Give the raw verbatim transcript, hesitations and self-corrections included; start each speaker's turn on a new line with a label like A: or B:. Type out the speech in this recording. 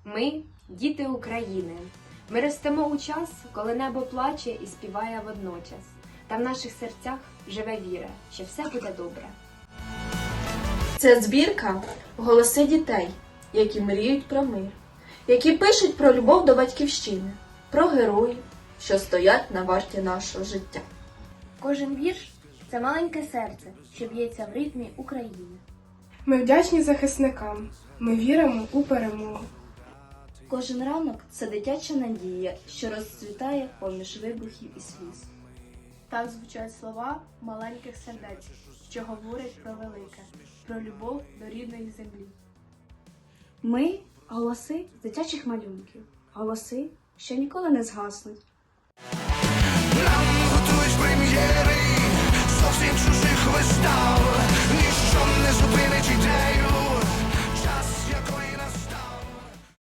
A: Ми – діти України. Ми ростемо у час, коли небо плаче і співає водночас. Та в наших серцях живе віра, що все буде добре.
B: Це збірка «Голоси дітей», які мріють про мир, які пишуть про любов до батьківщини, про героїв, що стоять на варті нашого життя.
C: Кожен вірш – це маленьке серце, що б'ється в ритмі України.
D: Ми вдячні захисникам, ми віримо у перемогу.
C: Кожен ранок – це дитяча надія, що розцвітає поміж вибухів і сліз. Так звучать слова маленьких сердець, що говорять про велике, про любов до рідної землі. Ми – голоси з дитячих малюнків, голоси, що ніколи не згаснуть.
E: Нам готують прем'єри зовсім чужих вистав, ніщо не зупинить ідей.